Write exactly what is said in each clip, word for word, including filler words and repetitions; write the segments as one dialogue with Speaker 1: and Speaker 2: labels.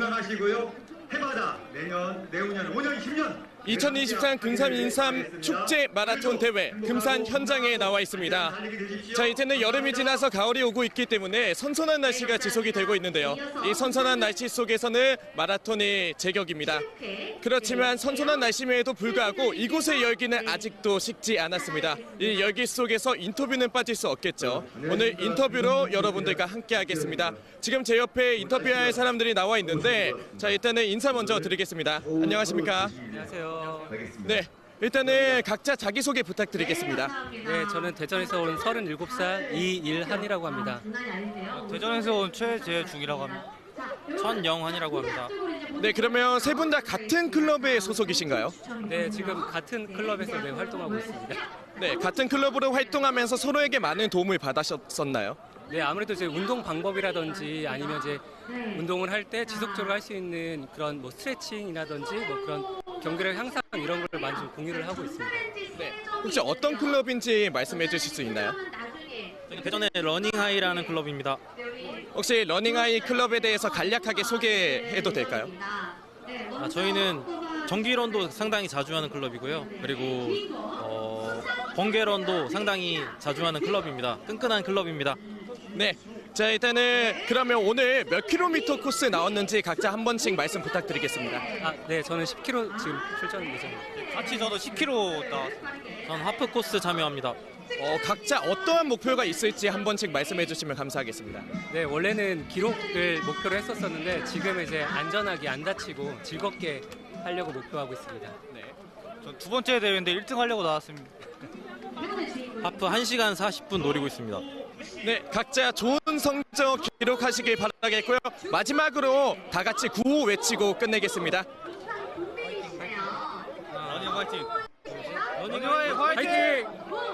Speaker 1: 건강하시고요. 해마다 내년, 내후년, 오 년, 십 년
Speaker 2: 이천이십삼 금산 인삼 축제 마라톤 대회 금산 현장에 나와 있습니다. 자, 이제는 여름이 지나서 가을이 오고 있기 때문에 선선한 날씨가 지속이 되고 있는데요. 이 선선한 날씨 속에서는 마라톤이 제격입니다. 그렇지만 선선한 날씨임에도 불구하고 이곳의 열기는 아직도 식지 않았습니다. 이 열기 속에서 인터뷰는 빠질 수 없겠죠. 오늘 인터뷰로 여러분들과 함께 하겠습니다. 지금 제 옆에 인터뷰할 사람들이 나와 있는데, 자, 일단은 인사 먼저 드리겠습니다. 안녕하십니까?
Speaker 3: 안녕하세요.
Speaker 2: 네, 일단은 각자 자기소개 부탁드리겠습니다.
Speaker 3: 네, 저는 대전에서 온 서른일곱 살 이일한이라고 합니다.
Speaker 4: 대전에서 온 최재중이라고 합니다. 천영환이라고 합니다.
Speaker 2: 네, 그러면 세 분 다 같은 클럽의 소속이신가요?
Speaker 3: 네, 지금 같은 클럽에서 네, 활동하고 있습니다.
Speaker 2: 네, 같은 클럽으로 활동하면서 서로에게 많은 도움을 받으셨었나요?
Speaker 3: 네, 아무래도 이제 운동 방법이라든지 아니면 이제 운동을 할 때 지속적으로 할 수 있는 그런 뭐 스트레칭이라든지 뭐 그런 경기력 향상 이런 걸 많이 좀 공유를 하고 있습니다.
Speaker 2: 네, 혹시 어떤 클럽인지 말씀해 주실 수 있나요?
Speaker 4: 대전의 러닝하이라는 클럽입니다.
Speaker 2: 혹시 러닝아이 클럽에 대해서 간략하게 소개해도 될까요?
Speaker 4: 아, 저희는 정기런도 상당히 자주 하는 클럽이고요. 그리고 어, 번개런도 상당히 자주 하는 클럽입니다. 끈끈한 클럽입니다.
Speaker 2: 네, 자, 일단은 그러면 오늘 몇 킬로미터 코스 나왔는지 각자 한 번씩 말씀 부탁드리겠습니다.
Speaker 3: 아, 네, 저는 십 킬로미터 지금 출전 예정입니다.
Speaker 4: 같이 저도 십 킬로미터 나왔습니다. 전 하프 코스 참여합니다.
Speaker 2: 어, 각자 어떠한 목표가 있을지 한 번씩 말씀해 주시면 감사하겠습니다.
Speaker 3: 네, 원래는 기록을 목표로 했었었는데 지금은 이제 안전하게 안 다치고 즐겁게 하려고 목표하고 있습니다.
Speaker 2: 네.
Speaker 4: 전 두 번째 대회인데 일 등 하려고 나왔습니다. 하프 한 시간 사십 분 노리고 있습니다.
Speaker 2: 네, 각자 좋은 성적 기록하시길 바라겠고요. 마지막으로 다 같이 구호 외치고 끝내겠습니다.
Speaker 4: 러닝 화이팅! 러닝
Speaker 3: 화이팅!
Speaker 4: 화이팅!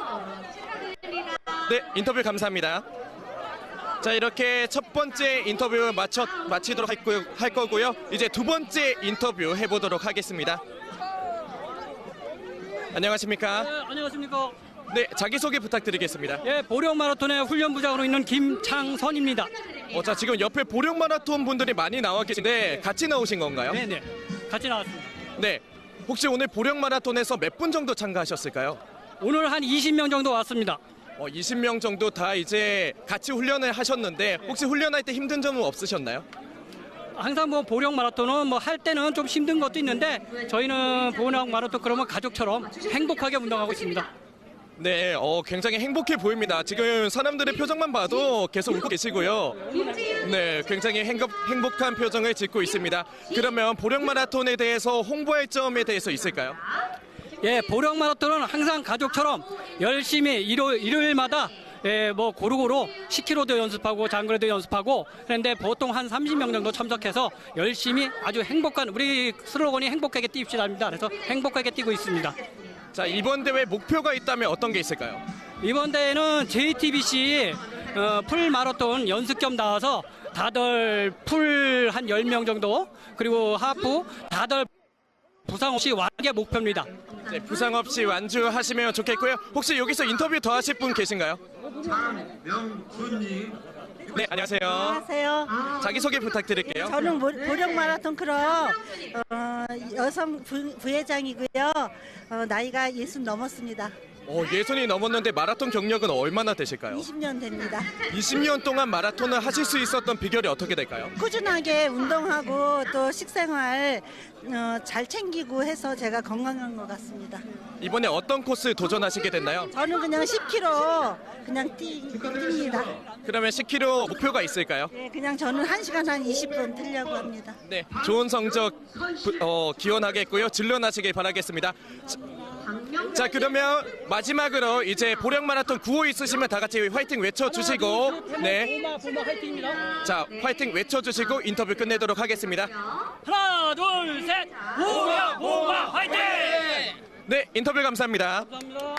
Speaker 2: 네, 인터뷰 감사합니다. 자, 이렇게 첫 번째 인터뷰 마쳐, 마치도록 할, 거, 할 거고요. 이제 두 번째 인터뷰 해보도록 하겠습니다. 안녕하십니까?
Speaker 5: 네, 안녕하십니까.
Speaker 2: 네, 자기소개 부탁드리겠습니다.
Speaker 5: 예, 보령 마라톤의 훈련부장으로 있는 김창선입니다.
Speaker 2: 어, 자, 지금 옆에 보령 마라톤 분들이 많이 나와 계신데 같이 나오신 건가요?
Speaker 5: 네네, 같이 나왔습니다.
Speaker 2: 네. 혹시 오늘 보령 마라톤에서 몇 분 정도 참가하셨을까요?
Speaker 5: 오늘 한 이십 명 정도 왔습니다.
Speaker 2: 어, 이십 명 정도 다 이제 같이 훈련을 하셨는데 혹시 훈련할 때 힘든 점은 없으셨나요?
Speaker 5: 항상 뭐 보령 마라톤은 뭐 할 때는 좀 힘든 것도 있는데 저희는 보령 마라톤 그러면 가족처럼 행복하게 운동하고 있습니다.
Speaker 2: 네, 어, 굉장히 행복해 보입니다. 지금 사람들의 표정만 봐도 계속 웃고 계시고요. 네, 굉장히 행복, 행복한 표정을 짓고 있습니다. 그러면 보령 마라톤에 대해서 홍보할 점에 대해서 있을까요?
Speaker 5: 예, 보령 마라톤은 항상 가족처럼 열심히 일요, 일요일마다 예, 뭐 고루고루 십 킬로미터도 연습하고 장거리도 연습하고 그런데 보통 한 삼십 명 정도 참석해서 열심히 아주 행복한 우리 슬로건이 행복하게 뜁시다입니다. 그래서 행복하게 뛰고 있습니다.
Speaker 2: 자, 이번 대회 목표가 있다면 어떤 게 있을까요?
Speaker 5: 이번 대회는 제이티비씨 어, 풀 마라톤 연습 겸 나와서 다들 풀 한 열 명 정도 그리고 하프 다들 부상 없이 완게 목표입니다.
Speaker 2: 네, 부상 없이 완주하시면 좋겠고요. 혹시 여기서 인터뷰 더 하실 분 계신가요?
Speaker 1: 장명순님.
Speaker 2: 네, 안녕하세요.
Speaker 6: 안녕하세요.
Speaker 2: 자기소개 부탁드릴게요.
Speaker 6: 저는 모- 보령 마라톤 클럽 어, 여성 부, 부회장이고요. 어, 나이가 예순 넘었습니다.
Speaker 2: 어, 예순이 넘었는데 마라톤 경력은 얼마나 되실까요?
Speaker 6: 이십 년 됩니다.
Speaker 2: 이십 년 동안 마라톤을 하실 수 있었던 비결이 어떻게 될까요?
Speaker 6: 꾸준하게 운동하고 또 식생활 어, 잘 챙기고 해서 제가 건강한 것 같습니다.
Speaker 2: 이번에 어떤 코스 도전하시게 됐나요?
Speaker 6: 저는 그냥 십 킬로미터 그냥 뛰, 뜁니다.
Speaker 2: 그러면 십 킬로미터 목표가 있을까요?
Speaker 6: 네, 그냥 저는 한 시간 한 이십 분 뛰려고 합니다.
Speaker 2: 네, 좋은 성적 부- 어, 기원하겠고요. 진련하시길 바라겠습니다. 자, 자, 그러면 마지막으로 이제 보령 마라톤 구호 있으시면 다 같이 화이팅 외쳐주시고, 네,
Speaker 5: 보마 보마 화이팅입니다.
Speaker 2: 자, 화이팅 외쳐주시고 인터뷰 끝내도록 하겠습니다.
Speaker 5: 하나 둘 셋 보마 보마 화이팅!
Speaker 2: 네, 인터뷰 감사합니다.
Speaker 5: 감사합니다.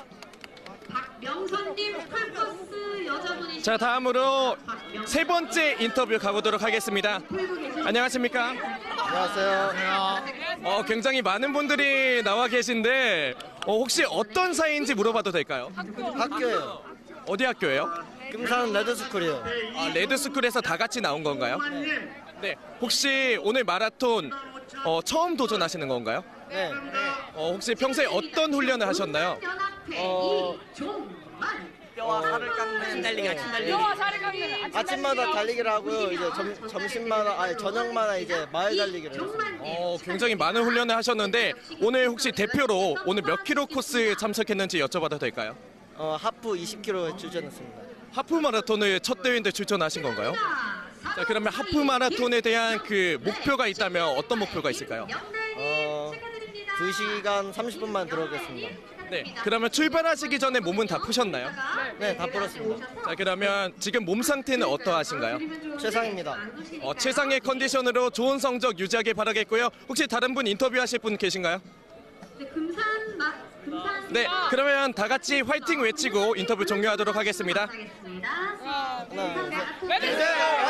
Speaker 7: 박명선님 풀코스 여자분이
Speaker 2: 자, 다음으로 세 번째 인터뷰 가보도록 하겠습니다. 안녕하십니까?
Speaker 8: 안녕하세요.
Speaker 2: 어, 굉장히 많은 분들이 나와 계신데 어, 혹시 어떤 사이인지 물어봐도 될까요?
Speaker 8: 학교예요.
Speaker 2: 어디 학교예요?
Speaker 8: 금산 레드스쿨이요.
Speaker 2: 아, 레드스쿨에서 다 같이 나온 건가요? 네, 혹시 오늘 마라톤 어, 처음 도전하시는 건가요?
Speaker 8: 네.
Speaker 2: 어, 혹시 평소에 어떤 훈련을 하셨나요?
Speaker 8: 어,
Speaker 7: 이종만.
Speaker 8: 뼈와 살을 깎는 달리기가 달리기. 아침마다 달리기를 하고요. 이제 점, 점심마다 아니 저녁마다 이제 마을 달리기를 했습니다.
Speaker 2: 어, 굉장히 많은 훈련을 하셨는데 오늘 혹시 대표로 오늘 몇 킬로 코스 참석했는지 여쭤봐도 될까요?
Speaker 8: 어, 하프 이십 킬로미터 출전했습니다.
Speaker 2: 하프 마라톤을 첫 대회인데 출전하신 건가요? 자, 그러면 하프 마라톤에 대한 그 목표가 있다면 어떤 목표가 있을까요?
Speaker 8: 어, 두 시간 삼십 분만 들어오겠습니다.
Speaker 2: 네, 그러면 출발하시기 전에 몸은 다 푸셨나요?
Speaker 8: 네, 다 풀었습니다.
Speaker 2: 자, 그러면 지금 몸 상태는 어떠하신가요?
Speaker 8: 최상입니다.
Speaker 2: 어, 최상의 컨디션으로 좋은 성적 유지하길 바라겠고요. 혹시 다른 분 인터뷰하실 분 계신가요?
Speaker 7: 네, 금산 마 금산.
Speaker 2: 네, 그러면 다 같이 화이팅 외치고 인터뷰 종료하도록 하겠습니다.
Speaker 7: 하겠습니다.
Speaker 8: 하나, 둘, 셋.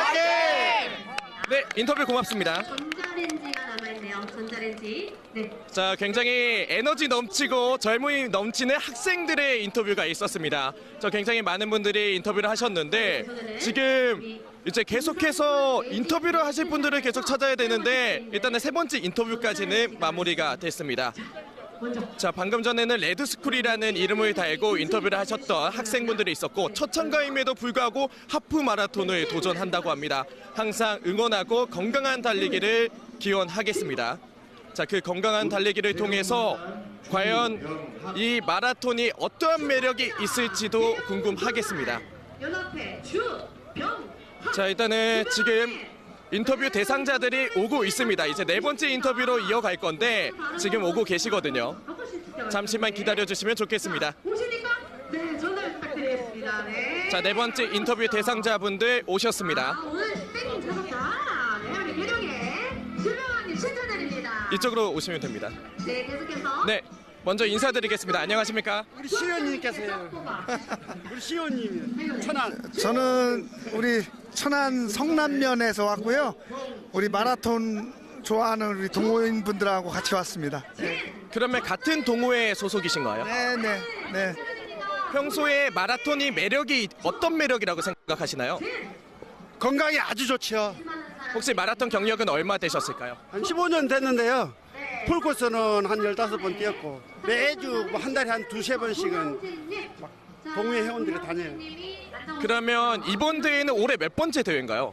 Speaker 2: 네, 인터뷰 고맙습니다.
Speaker 7: 전자레인지가 남아있네요. 전자레인지. 네.
Speaker 2: 자, 굉장히 에너지 넘치고 젊음이 넘치는 학생들의 인터뷰가 있었습니다. 저 굉장히 많은 분들이 인터뷰를 하셨는데 지금 이제 계속해서 인터뷰를 하실 분들을 계속 찾아야 되는데 일단은 세 번째 인터뷰까지는 마무리가 됐습니다. 자, 방금 전에는 레드스쿨이라는 이름을 달고 인터뷰를 하셨던 학생분들이 있었고 첫 참가임에도 불구하고 하프 마라톤을 도전한다고 합니다. 항상 응원하고 건강한 달리기를 기원하겠습니다. 자, 그 건강한 달리기를 통해서 과연 이 마라톤이 어떠한 매력이 있을지도 궁금하겠습니다.
Speaker 7: 연합회 주병.
Speaker 2: 자, 일단은 지금 인터뷰 대상자들이 오고 있습니다. 이제 네 번째 인터뷰로 이어갈 건데 지금 오고 계시거든요. 잠시만 기다려주시면 좋겠습니다.
Speaker 7: 오시니까 네, 전화 부탁드리겠습니다. 네.
Speaker 2: 자, 네 번째 인터뷰 대상자분들 오셨습니다.
Speaker 7: 아, 오늘 땡 찾았다. 네, 우리 회령의 주병원님 신청드립니다.
Speaker 2: 이쪽으로 오시면 됩니다.
Speaker 7: 네, 계속해서.
Speaker 2: 네, 먼저 인사드리겠습니다. 안녕하십니까?
Speaker 9: 우리 시의원님께서요. 우리 시의원님 천안.
Speaker 10: 저는 우리 천안 성남면에서 왔고요. 우리 마라톤 좋아하는 우리 동호인 분들하고 같이 왔습니다.
Speaker 2: 그러면 같은 동호회 소속이신가요?
Speaker 10: 네, 네, 네.
Speaker 2: 평소에 마라톤이 매력이 어떤 매력이라고 생각하시나요?
Speaker 9: 건강이 아주 좋죠.
Speaker 2: 혹시 마라톤 경력은 얼마 되셨을까요?
Speaker 9: 한 십오 년 됐는데요. 풀코스는 한 열다섯 번 뛰었고 매주 뭐 한 달에 한 두세 번씩은 막 동호회 회원들이 다녀요.
Speaker 2: 그러면 이번 대회는 올해 몇 번째 대회인가요?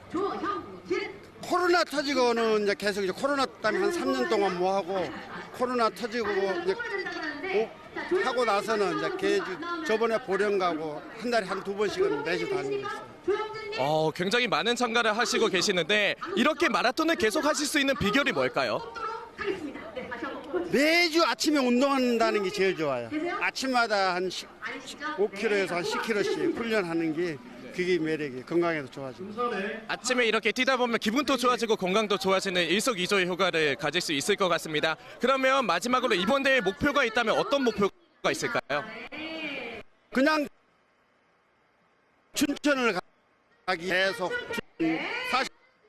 Speaker 9: 코로나 터지고는 이제 계속 이제 코로나 때문에 한 삼 년 동안 뭐 하고 코로나 터지고 이제 오- 하고 나서는 이제 계주 저번에 보령 가고 한 달에 한 두 번씩은 매주 다니고 있어요.
Speaker 2: 어, 굉장히 많은 참가를 하시고 계시는데 이렇게 마라톤을 계속 하실 수 있는 비결이 뭘까요?
Speaker 9: 매주 아침에 운동한다는 게 제일 좋아요. 아침마다 한 오 킬로미터에서 한 십 킬로미터씩 훈련하는 게 그게 매력이에요. 건강에도 좋아지고.
Speaker 2: 아침에 이렇게 뛰다 보면 기분도 좋아지고 건강도 좋아지는 일석이조의 효과를 가질 수 있을 것 같습니다. 그러면 마지막으로 이번 대회 목표가 있다면 어떤 목표가 있을까요?
Speaker 9: 그냥 춘천을 가기 계속 사십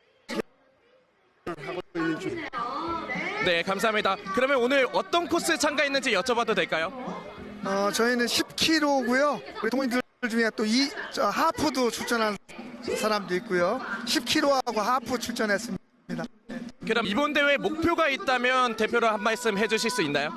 Speaker 9: 하고 있는 중.
Speaker 2: 네, 감사합니다. 그러면 오늘 어떤 코스 참가했는지 여쭤봐도 될까요?
Speaker 10: 어, 저희는 십 킬로미터고요. 우리 동호인들 중에 또 이 하프도 출전한 사람도 있고요. 십 킬로미터하고 하프 출전했습니다.
Speaker 2: 그럼 이번 대회 목표가 있다면 대표로 한 말씀 해주실 수 있나요?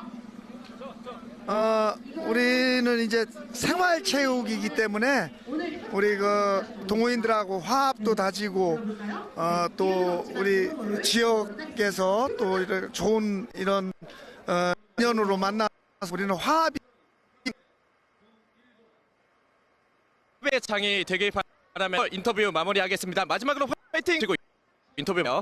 Speaker 10: 어, 우리는 이제 생활체육이기 때문에 우리 그 동호인들하고 화합도 다지고 어, 또 우리 지역에서 또 이런 좋은 이런 어, 인연으로 만나서 우리는 화합이
Speaker 2: 의 장이 되길 바라며 인터뷰 마무리하겠습니다. 마지막으로 화이팅! 그리고 인터뷰요.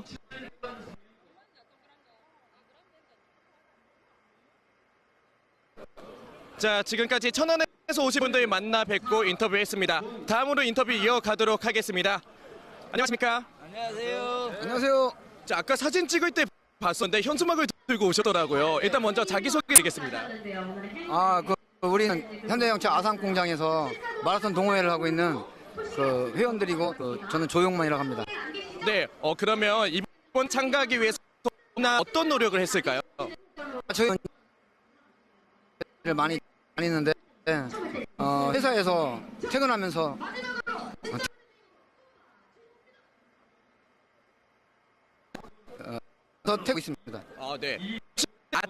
Speaker 2: 자, 지금까지 천안에서 오신 분들 만나 뵙고 인터뷰했습니다. 다음으로 인터뷰 이어가도록 하겠습니다. 안녕하십니까?
Speaker 8: 안녕하세요.
Speaker 10: 안녕하세요.
Speaker 2: 자, 아까 사진 찍을 때 봤었는데 현수막을 들고 오셨더라고요. 일단 먼저 자기소개 드리겠습니다.
Speaker 11: 아, 그 우리는 현대영차 아산공장에서 마라톤 동호회를 하고 있는 그 회원들이고 그 저는 조용만이라고 합니다.
Speaker 2: 네, 어 그러면 이번 참가하기 위해서 어떤 노력을 했을까요?
Speaker 11: 저희는 많이 다니는데 어, 회사에서 퇴근하면서 태우고 있습니다.
Speaker 2: 아, 네. 아,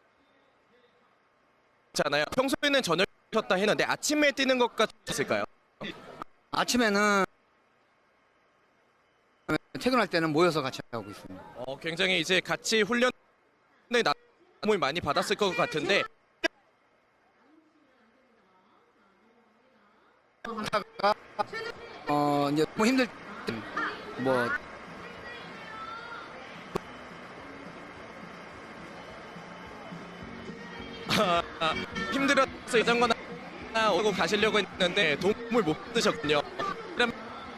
Speaker 2: 잖아요. 평소에는 저녁 쉬었다 했는데 아침에 뛰는 것 같았을까요?
Speaker 11: 아침에는 퇴근할 때는 모여서 같이 하고 있습니다.
Speaker 2: 어, 굉장히 이제 같이 훈련에 도움을 많이 받았을 것 같은데
Speaker 11: 하다가 어 이제 뭐 힘들 때 뭐
Speaker 2: 아, 힘들어서 이전거나 오고 가시려고 했는데 도움을 못 받으셨군요. 그럼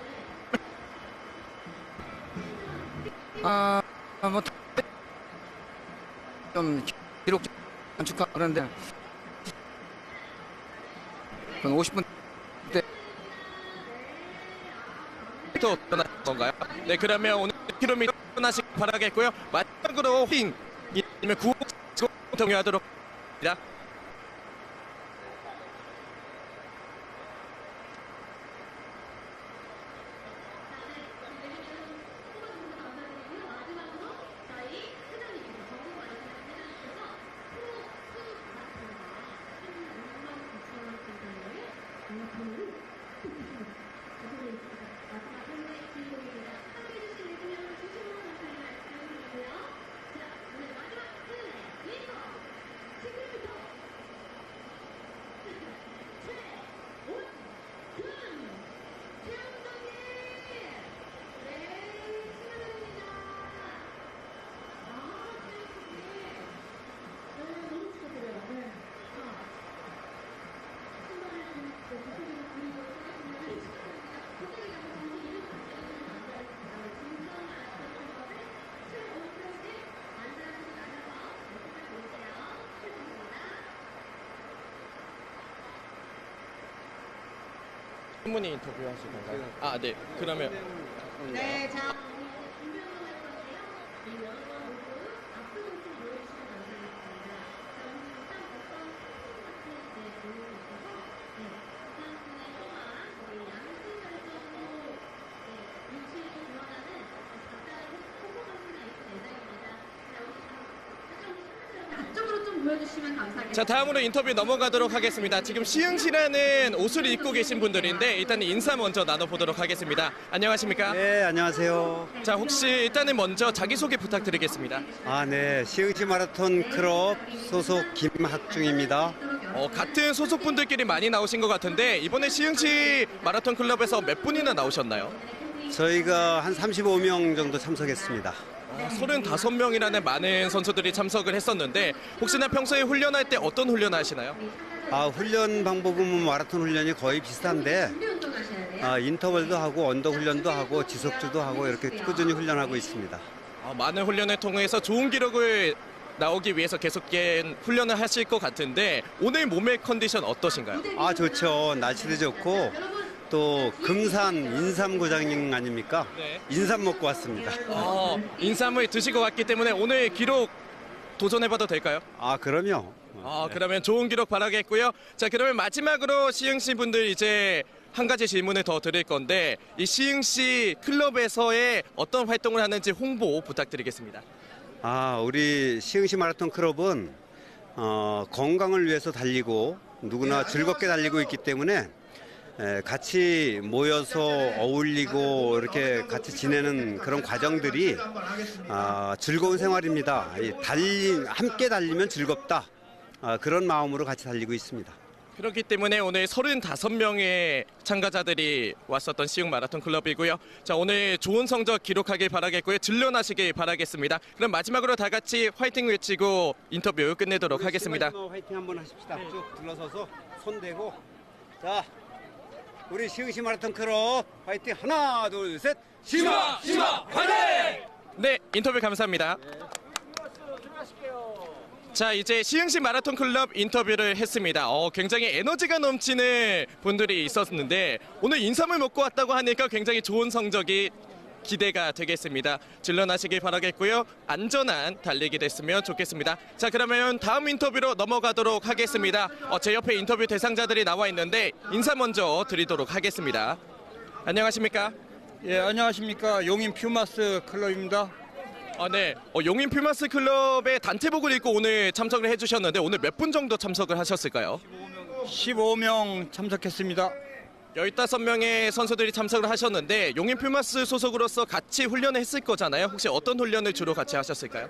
Speaker 11: 아뭐좀 기록 단축하 그런데 한 오십 분
Speaker 2: 또 떠날 건가요? 네, 그러면 오늘 킬로미터 떠나시기 바라겠고요. 마지막으로 핑 이면 구호 동요하도록 합니다. 신문이 인터뷰하실 건가요? 아, 네. 그러면
Speaker 7: 네, 자.
Speaker 12: 앞쪽으로 좀 보여주시면 감사하겠습니다.
Speaker 2: 자, 다음으로 인터뷰 넘어가도록 하겠습니다. 지금 시흥시라는 옷을 입고 계신 분들인데 일단 인사 먼저 나눠보도록 하겠습니다. 안녕하십니까?
Speaker 13: 네, 안녕하세요.
Speaker 2: 자, 혹시 일단은 먼저 자기소개 부탁드리겠습니다.
Speaker 13: 아, 네. 시흥시 마라톤 클럽 소속 김학중입니다.
Speaker 2: 어, 같은 소속분들끼리 많이 나오신 것 같은데 이번에 시흥시 마라톤 클럽에서 몇 분이나 나오셨나요?
Speaker 13: 저희가 한 삼십오 명 정도 참석했습니다.
Speaker 2: 어, 서른다섯 명이라는 많은 선수들이 참석을 했었는데 혹시나 평소에 훈련할 때 어떤 훈련을 하시나요?
Speaker 13: 아, 훈련 방법은 마라톤 훈련이 거의 비슷한데 아, 인터벌도 하고 언더 훈련도 하고 지속주도 하고 이렇게 꾸준히 훈련하고 있습니다.
Speaker 2: 어, 많은 훈련을 통해서 좋은 기록을 나오기 위해서 계속 훈련을 하실 것 같은데 오늘 몸의 컨디션 어떠신가요?
Speaker 13: 아, 좋죠. 날씨도 좋고 또 금산 인삼 고장 아닙니까?
Speaker 2: 네.
Speaker 13: 인삼 먹고 왔습니다.
Speaker 2: 어, 인삼을 드시고 왔기 때문에 오늘 기록 도전해봐도 될까요?
Speaker 13: 아, 그럼요.
Speaker 2: 아, 그러면 좋은 기록 바라겠고요. 자, 그러면 마지막으로 시흥시 분들 이제 한 가지 질문을 더 드릴 건데 이 시흥시 클럽에서의 어떤 활동을 하는지 홍보 부탁드리겠습니다.
Speaker 13: 아, 우리 시흥시 마라톤 클럽은 어, 건강을 위해서 달리고 누구나 즐겁게 달리고 있기 때문에 에, 같이 모여서 어울리고 이렇게 같이 지내는 그런 과정들이 아, 즐거운 생활입니다. 이 달리, 함께 달리면 즐겁다. 아, 그런 마음으로 같이 달리고 있습니다.
Speaker 2: 그렇기 때문에 오늘 서른다섯 명의 참가자들이 왔었던 시흥 마라톤 클럽이고요. 자, 오늘 좋은 성적 기록하길 바라겠고요. 질련하시길 바라겠습니다. 그럼 마지막으로 다 같이 화이팅 외치고 인터뷰 끝내도록 하겠습니다.
Speaker 13: 화이팅 한번 하십시다. 쭉 둘러서서 손 대고. 자, 우리 시흥시 마라톤 클럽 화이팅. 하나, 둘, 셋. 시마, 시마, 화이팅!
Speaker 2: 네, 인터뷰 감사합니다. 자, 이제 시흥시 마라톤 클럽 인터뷰를 했습니다. 어, 굉장히 에너지가 넘치는 분들이 있었는데 오늘 인삼을 먹고 왔다고 하니까 굉장히 좋은 성적이 기대가 되겠습니다. 질러나시길 바라겠고요. 안전한 달리기 됐으면 좋겠습니다. 자, 그러면 다음 인터뷰로 넘어가도록 하겠습니다. 어, 제 옆에 인터뷰 대상자들이 나와 있는데 인사 먼저 드리도록 하겠습니다. 안녕하십니까?
Speaker 14: 예, 안녕하십니까. 용인 퓨마스 클럽입니다.
Speaker 2: 아, 네. 어, 용인 퓨마스 클럽의 단체복을 입고 오늘 참석을 해주셨는데 오늘 몇 분 정도 참석을 하셨을까요?
Speaker 14: 십오 명 참석했습니다.
Speaker 2: 열다섯 명의 선수들이 참석을 하셨는데 용인 퓨마스 소속으로서 같이 훈련을 했을 거잖아요. 혹시 어떤 훈련을 주로 같이 하셨을까요?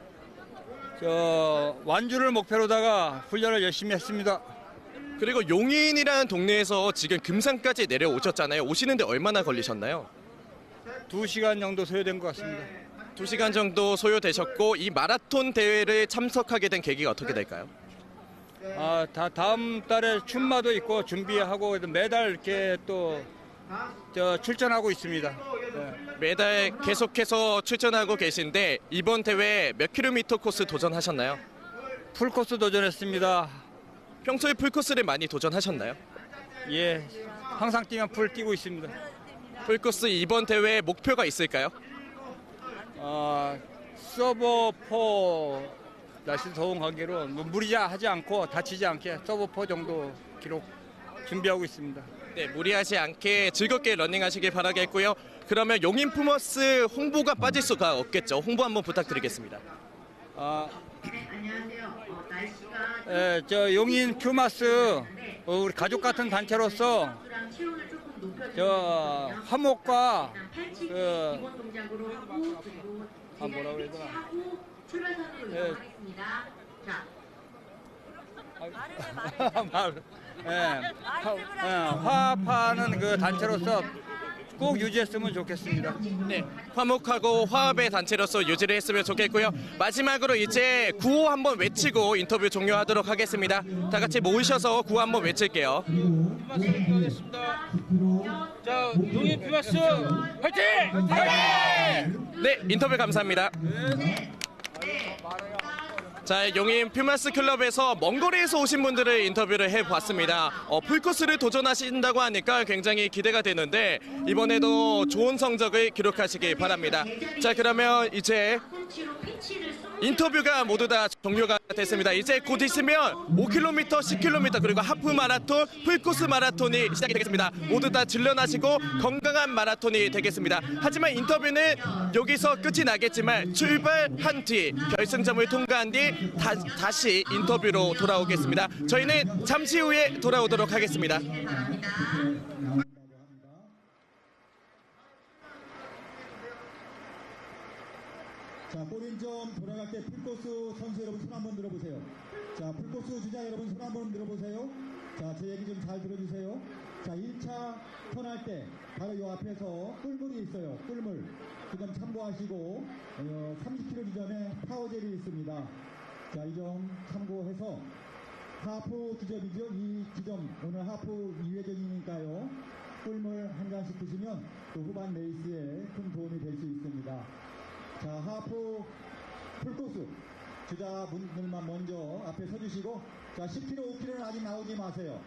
Speaker 14: 저 완주를 목표로다가 훈련을 열심히 했습니다.
Speaker 2: 그리고 용인이라는 동네에서 지금 금산까지 내려오셨잖아요. 오시는데 얼마나 걸리셨나요?
Speaker 14: 두 시간 정도 소요된 것 같습니다.
Speaker 2: 두 시간 정도 소요되셨고 이 마라톤 대회를 참석하게 된 계기가 어떻게 될까요?
Speaker 14: 아, 다 다음 달에 춘마도 있고 준비하고 매달 이렇게 또 저 출전하고 있습니다. 네.
Speaker 2: 매달 계속해서 출전하고 계신데 이번 대회 몇 킬로미터 코스 도전하셨나요?
Speaker 14: 풀코스 도전했습니다.
Speaker 2: 평소에 풀코스를 많이 도전하셨나요?
Speaker 14: 예, 항상 뛰면 풀 뛰고 있습니다.
Speaker 2: 풀코스 이번 대회 목표가 있을까요?
Speaker 14: 아, 서버 포 날씨 더운 관계로 무리하지 않고 다치지 않게 서버 포 정도 기록 준비하고 있습니다.
Speaker 2: 네, 무리하지 않게 즐겁게 러닝하시길 바라겠고요. 그러면 용인 퓨마스 홍보가 빠질 수가 없겠죠. 홍보 한번 부탁드리겠습니다.
Speaker 14: 아, 예, 저 용인 퓨마스 어, 우리 가족 같은 단체로서 저 화목과 그 아, 뭐라 그래야 되나? 예. 말, 예, 화, 예, 화합하는 그 단체로서 꼭 유지했으면 좋겠습니다.
Speaker 2: 네, 화목하고 화합의 단체로서 유지를 했으면 좋겠고요. 마지막으로 이제 구호 한번 외치고 인터뷰 종료하도록 하겠습니다. 다 같이 모이셔서 구호 한번 외칠게요.
Speaker 14: 자, 용인 퓨마스 화이팅! 화이팅!
Speaker 2: 네, 인터뷰 감사합니다. 자, 용인 퓨마스 클럽에서 먼 거리에서 오신 분들을 인터뷰를 해봤습니다. 어, 풀코스를 도전하신다고 하니까 굉장히 기대가 되는데 이번에도 좋은 성적을 기록하시길 바랍니다. 자, 그러면 이제 인터뷰가 모두 다 종료가 됐습니다. 이제 곧 있으면 오 킬로미터, 십 킬로미터 그리고 하프 마라톤, 풀코스 마라톤이 시작이 되겠습니다. 모두 다 질러나시고 건강한 마라톤이 되겠습니다. 하지만 인터뷰는 여기서 끝이 나겠지만 출발한 뒤 결승점을 통과한 뒤 다, 다시 인터뷰로 돌아오겠습니다. 저희는 잠시 후에 돌아오도록 하겠습니다.
Speaker 1: 자, 골인점 돌아갈 때 풀코스 선수 여러분 손 한번 들어보세요. 자, 풀코스 주자 여러분 손 한번 들어보세요. 자, 제 얘기 좀 잘 들어주세요. 자, 일 차 턴할 때 바로 이 앞에서 꿀물이 있어요. 꿀물. 그 점 참고하시고 어, 삼십 킬로미터 지점에 파워젤이 있습니다. 자, 이 점 참고해서 하프 지점이죠. 이 지점 오늘 하프 이 회전이니까요. 꿀물 한 잔씩 드시면 또 후반 레이스에 큰 도움이 될 수 있습니다. 자, 하프 풀코스 주자분들만 먼저 앞에 서주시고 자, 십 킬로미터, 오 킬로미터는 아직 나오지 마세요.